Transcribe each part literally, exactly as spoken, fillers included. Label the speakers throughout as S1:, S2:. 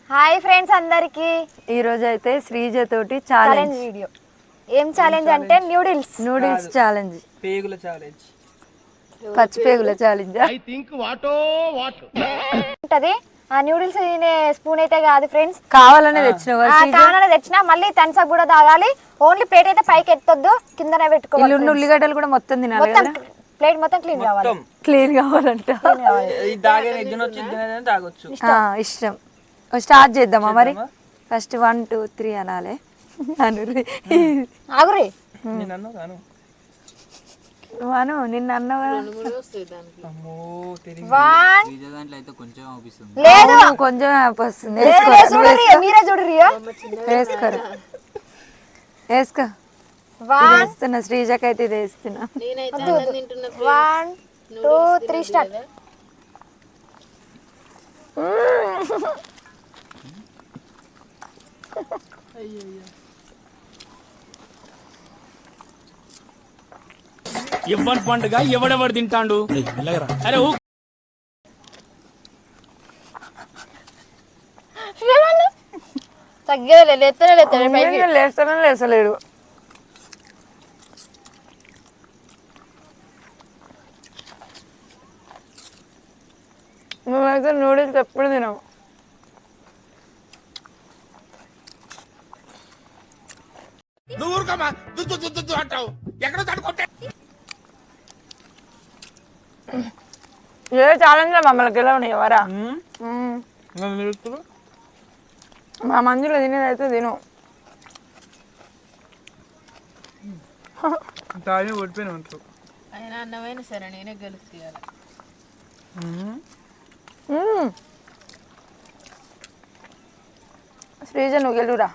S1: Hi friends అందరికి
S2: ఈ రోజు అయితే శ్రీజ తోటి ఛాలెంజ్
S1: వీడియో. ఏం ఛాలెంజ్ అంటే నూడిల్స్
S2: నూడిల్స్ ఛాలెంజ్,
S3: పేగుల ఛాలెంజ్,
S2: పచ్చి పేగుల ఛాలెంజ్.
S4: ఐ థింక్ వాటో వాట్
S1: ఉంటది. ఆ నూడిల్స్ తినే స్పూన్ అయితే కాదు ఫ్రెండ్స్,
S2: కావాలనే తెచ్చినావా?
S1: కావాలనే తెచ్చినా. మళ్ళీ థమ్స్ అప్ కూడా తాగాలి. ఓన్లీ ప్లేట్ అయితే పైకి ఎత్తొద్దు, కిందనే పెట్టుకోవాలి.
S2: ఉల్లిగడ్డలు కూడా మొత్తం తినాలి కదా,
S1: ప్లేట్ మొత్తం క్లీన్ కావాలి.
S2: క్లీన్ కావాలంట.
S3: తాగొచ్చు
S2: ఇష్టం. స్టార్ట్ చేద్దామా మరి? ఫస్ట్ వన్ టూ త్రీ అనాలి.
S1: ఆగురి
S2: వాను నిన్న అన్నవా? లేదు కొంచెం వస్తుంది.
S1: మీరే చూడరియో,
S2: వేసుకోరు. వేసుకో. వేస్తున్నా శ్రీజకైతే ఇది వేస్తున్నా.
S1: One two three start.
S4: ఇవ్వని పండుగ ఎవడెవడు తింటాడు? అరే
S1: తగ్గలే, లేస్తనే లేస్తాడు,
S2: లేస్తానే లేస్తలేడు. నువ్వైతే నూడిల్స్ ఎప్పుడు తినవు. ఏ ఛాలెంజ్ మమ్మల్ని గెలవని ఎవరా? మా మందులో తినేదైతే తిను. శ్రీజ నువ్వు గెలురా.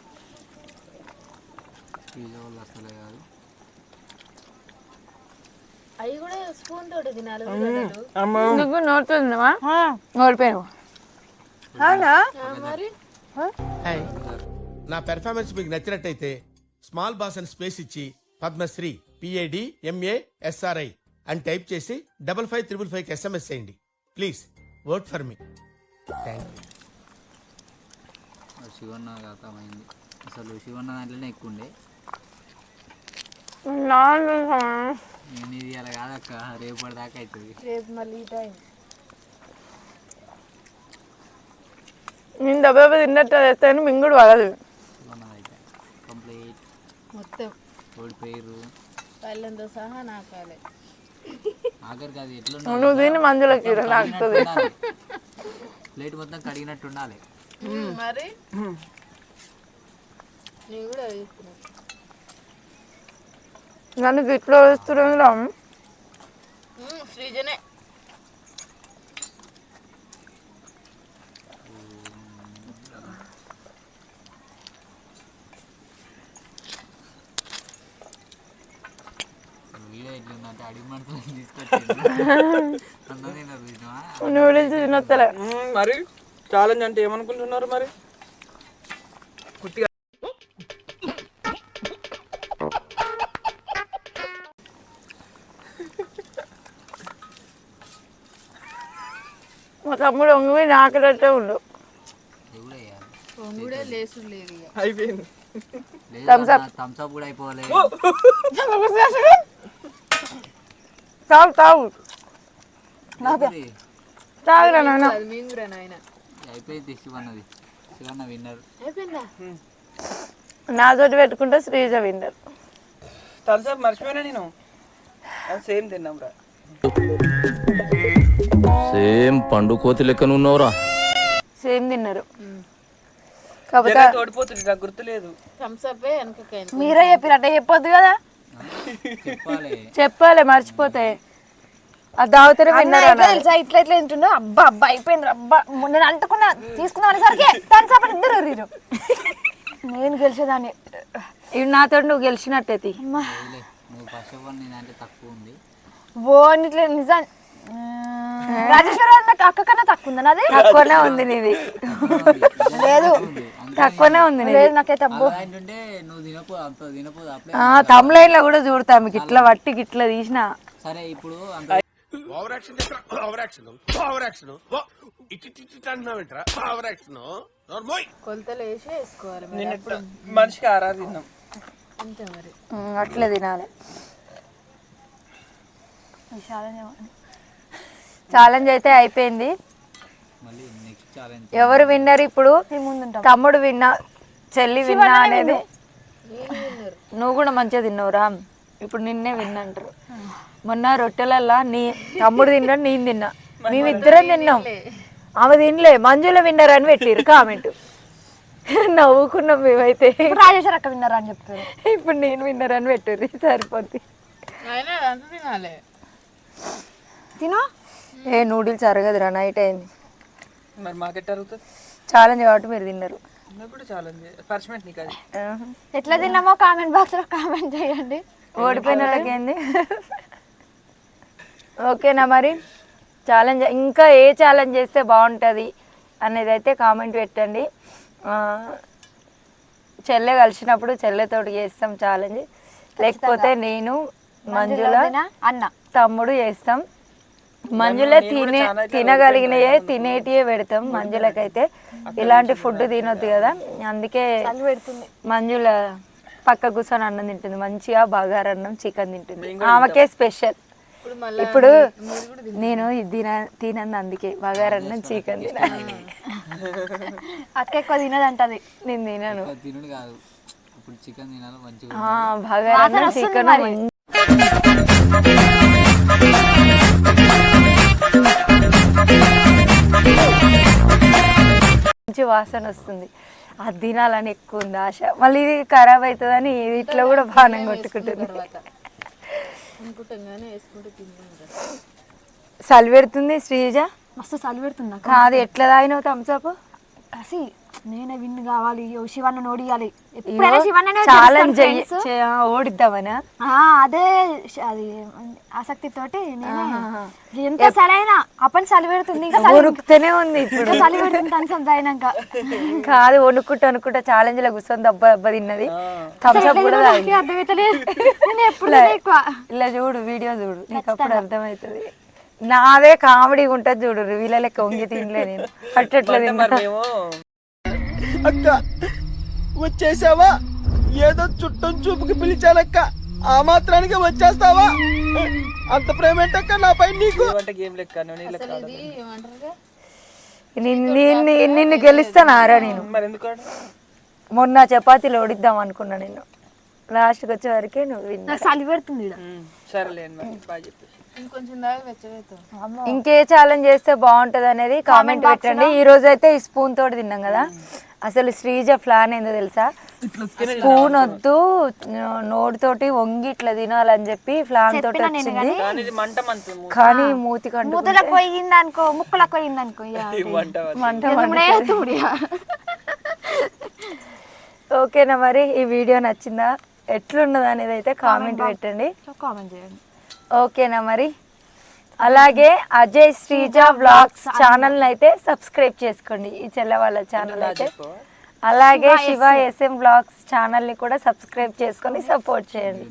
S2: నువ్వు నోట్లో తిన్నావా? ఓడిపోయావు.
S5: నా పెర్ఫార్మెన్స్ మీకు నచ్చినట్టయితే స్మాల్ బాస్ అని స్పేస్ ఇచ్చి పద్మశ్రీ పిఏడి ఎంఏ ఎస్ఆర్ఐ అని టైప్ చేసి డబల్ ఫైవ్ త్రిబుల్ ఫైవ్ కి ఎస్ఎంఎస్ చేయండి. Please vote for me. Thank you.
S6: Shivanna అర్థమైంది. అసలు శివన్న దాంట్లోనే ఎక్కువ ఉండే. నేను ఇది అలా కాదక్క, రేపటి దాకా అవుతుంది.
S1: రేపు మళ్ళీ
S2: నేను దెబ్బ దెబ్బ తిన్నట్టు వేస్తాను, మింగుడు పడదు.
S6: శివన్నదైతే కంప్లీట్
S1: మొత్తం
S6: ఓడిపోయారు.
S1: పళ్ళంతో సహా నాకాలే.
S6: ఆఖరికి అది ఎట్లా
S2: నువ్వు తిని మందులకి నాకుతుంది.
S6: ప్లేట్ మొత్తం కడిగినట్టు ఉండాలి.
S1: మరి
S2: నన్ను ఇట్లా వేస్తున్నాం.
S1: శ్రీజనే
S2: నూడిల్స్ తినొత్తలే.
S3: మరి ఛాలెంజ్ అంటే ఏమనుకుంటున్నారు? మరి
S2: మా తమ్ముడు ఒంగి నాకలట్టే ఉండు.
S3: అయిపోయింది.
S6: థమ్స్అప్ కూడా అయిపోవాలి.
S2: తాగు తాగు తాగురా నాన్న.
S6: అయిపోయింది. శివన్నది. శివన్న విన్నర్.
S2: నాతోటి పెట్టుకుంటే శ్రీజ విన్నర్.
S3: థమ్స్అప్ మర్చిపోయినా నేను. సేమ్ తిన్నాం రా.
S7: సేమ్ పండు కోతి లెక్కన ఉన్నవరా.
S2: సేమ్ తిన్నారు.
S3: ఓడిపోతుంది, నాకు గుర్తులేదు.
S1: మీరే చెప్పినట్టే చెప్పొద్దు కదా.
S2: చెప్పాలి, మర్చిపోతే. అది తాగుతారే విన్నారు.
S1: తెలుసా ఇట్లా ఇట్లా తింటుండో. అబ్బా అబ్బా అయిపోయింది. అబ్బా నేను అంటుకున్నా తీసుకున్నా అనేసరికి థమ్స్అప్ ఇద్దరు రీరు. నేను గెలిచేదాన్ని.
S2: ఇవి నాతో నువ్వు గెలిచినట్టయితే.
S1: ఓ ఇట్లా నిజం. రాజేశ్వర అక్క కన్నా తక్కువ ఉందా? నాది
S2: తక్కువనే ఉంది. నీది
S1: లేదు,
S2: తక్కువనే ఉంది.
S1: లేదు నాకైతే. అబ్బో
S2: తమ్లైన్ లో కూడా చూడతా మీకు ఇట్లా వట్టి ఇట్లా తీసిన.
S6: సరే ఇప్పుడు
S5: over action over action over action ఇటు ఇటు అంటున్నావేంట్రా ఓవర్ యాక్షన్
S8: కొలతలు వేసి వేసుకోవాలి మరి.
S3: నిన్న మనిషికి ఆరారు తిన్నాం.
S8: అంతే మరి.
S2: ఉమ్, అట్లే తినాలి. ఛాలెంజ్ అయితే అయిపోయింది.
S6: మళ్ళీ నెక్స్ట్ ఛాలెంజ్
S2: ఎవరు విన్నర్ ఇప్పుడు? తమ్ముడు విన్నా, చెల్లి విన్నా అనేది. నువ్వు కూడా మంచిగా తిన్నావురా. ఇప్పుడు నిన్నే విన్నా అంటారు. మొన్న రొట్టెలల్లా నీ తమ్ముడు తిన్నాడు, నేను తిన్నా, మేమిద్దరం తిన్నాం. ఆమె తినలే, మంజుల విన్నర్ అని పెట్టిరు కామెంట్. నవ్వుకున్నాం మేమైతే.
S1: రాజేశ్వర అక్క విన్నారా అని చెప్తారు.
S2: ఇప్పుడు నేను విన్నర్ అని పెట్టిర్రు, సరిపోద్ది.
S8: అయినా అదంతా తినాలి.
S1: తిను.
S2: ఏ నూడిల్స్ అరగదురా, నైట్ అయింది.
S3: మరి మాకెట్ అరుగుతుంది.
S2: ఛాలెంజ్ కాబట్టి మీరు తిన్నారు.
S3: నాకు కూడా ఛాలెంజ్ పర్స్మెంట్ నీకు అది.
S1: ఎట్లా తిన్నామో కామెంట్ బాక్స్ లో కామెంట్ చేయండి.
S2: ఓడిపోయిన వాళ్ళకి ఏంది. ఓకేనా మరి? ఛాలెంజ్ ఇంకా ఏ ఛాలెంజ్ చేస్తే బాగుంటుంది అనేది అయితే కామెంట్ పెట్టండి. చెల్లె కలిసినప్పుడు చెల్లెతోటి చేస్తాం ఛాలెంజ్, లేకపోతే నేను మంజుల
S1: అన్న
S2: తమ్ముడు చేస్తాం. మంజుల తినే తినగలిగినయే తినేటివే పెడతాం. మంజులకైతే ఇలాంటి ఫుడ్ తినొద్దు కదా, అందుకే మంజుల పక్క కూర్చొని అన్నం తింటుంది. మంచిగా బగారన్నం చికెన్ తింటుంది, ఆమెకే స్పెషల్. ఇప్పుడు నేను ఇది తిన తినంది అందుకే బగారన్నం చికెన్ తిన.
S1: అక్క ఎక్కువ తినదంటది,
S2: నేను తినను.
S6: తినుడు కాదు, ఇప్పుడు చికెన్ తినాలి మంచిగా.
S2: బగారన్నం చికెన్ మంచి వాసన వస్తుంది. అది తినాలని ఎక్కువ ఉంది ఆశ. మళ్ళీ ఇది ఖరాబ్ అవుతుందని ఇట్లా కూడా బాణం కొట్టుకుంటుంది. చలి పెడుతుంది శ్రీజ,
S1: మస్తు చలి పెడుతుంది.
S2: కాదు ఎట్లా తాగినావు థమ్స్అప్?
S1: కసి నేనే విన్ కావాలి, శివన్న నోడియాలి.
S2: ఛాలెంజ్ ఓడిద్దామనా?
S1: అదే అది ఆసక్తి తోటి నేను ఎంత సరైన అప్పని చలి పెడుతుంది, ఇంకా
S2: ఉరుకుతూనే ఉంది ఇప్పుడు.
S1: చలి పెడుతుంది కన్సమ్ అయినాక.
S2: కాదు వణుక్కుంటా వణుక్కుంటా ఛాలెంజ్ లో కూర్చొని దెబ్బ దెబ్బ తిన్నది. థమ్స్అప్ కూడా
S1: అర్థమవుతలేదు.
S2: ఇలా చూడు, వీడియో చూడు, నీకు అప్పుడు అర్థమవుతుంది. నాదే కామెడీ ఉంటుంది చూడు, వీళ్ళ లెక్క వంగి తినలే నేను, అట్టట్లా తిన్నా.
S3: అక్క వచ్చేసావా? ఏదో చుట్టం చూపుకి పిలిచానక్క, ఆ మాత్రానికి వచ్చేస్తావా? అంత ప్రేమ ఏంటక్క నాపై నీకు? గేమ్ లెక్క
S2: నిన్ను నిన్ను గెలుస్తానారా నేను?
S3: మరి ఎందుకు?
S2: మొన్న చపాతీలు ఓడిద్దాం అనుకున్నా నేను, లాస్ట్కి వచ్చే వరకే నువ్వు విన్నా.
S1: చలి పెడుతుంది.
S3: సరేలేండి, బాగా చెప్పేసి.
S8: ఇంకొంచెం దాకా వెచ్చవేద్దాం.
S2: ఇంకే ఛాలెంజ్ చేస్తే బాగుంటది అనేది కామెంట్ పెట్టండి. ఈ రోజు అయితే ఈ స్పూన్ తోటి తిన్నాం కదా. అసలు శ్రీజ ప్లాన్ ఏందో తెలుసా? స్పూన్ వద్దు, నోటితోటి వంగి ఇట్లా తినాలని చెప్పి ప్లాన్ తోటి వచ్చింది. కానీ మూతి కంటు
S1: ముద్దలకు పోయింది అనుకో, ముక్కలకు పోయింది అనుకో, మంట.
S2: ఓకేనా మరి? ఈ వీడియో నచ్చిందా, ఎట్లున్నది అనేది అయితే కామెంట్ పెట్టండి,
S1: కామెంట్ చేయండి.
S2: ఓకేనా మరి? అలాగే అజయ్ శ్రీజ వ్లాగ్స్ ఛానల్ అయితే సబ్స్క్రైబ్ చేసుకోండి, ఈ చెల్ల వాళ్ళ ఛానల్ అయితే. అలాగే శివ ఎస్ఎం వ్లాగ్స్ ఛానల్ ని కూడా సబ్స్క్రైబ్ చేసుకొని సపోర్ట్ చేయండి.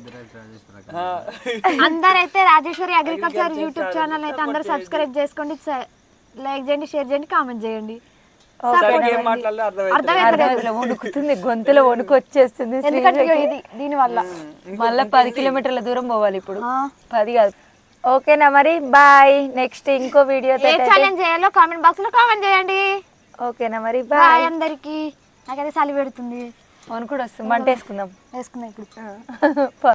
S1: అందరైతే రాజేశ్వరి అగ్రికల్చర్ యూట్యూబ్ ఛానల్ అయితే అందరూ సబ్స్క్రైబ్ చేసుకోండి, లైక్ చేయండి, షేర్ చేయండి, కామెంట్ చేయండి.
S2: వణుకుతుంది, గొంతులో వణుకు వచ్చేస్తుంది
S1: దీని వల్ల.
S2: మళ్ళీ పది కిలోమీటర్ల దూరం పోవాలి ఇప్పుడు, పది కాదు. ఓకేనా మరి? బాయ్. నెక్స్ట్ ఇంకో వీడియో
S1: ఛాలెంజ్ చేయాలో కామెంట్ బాక్స్ లో కామెంట్ చేయండి.
S2: ఓకేనా మరి?
S1: బాయ్ అందరికి. నాకైతే చలి పెడుతుంది,
S2: వణుకుడు వస్తుంది, మంట వేసుకుందాం.
S1: వేసుకుందాం ఇప్పుడు.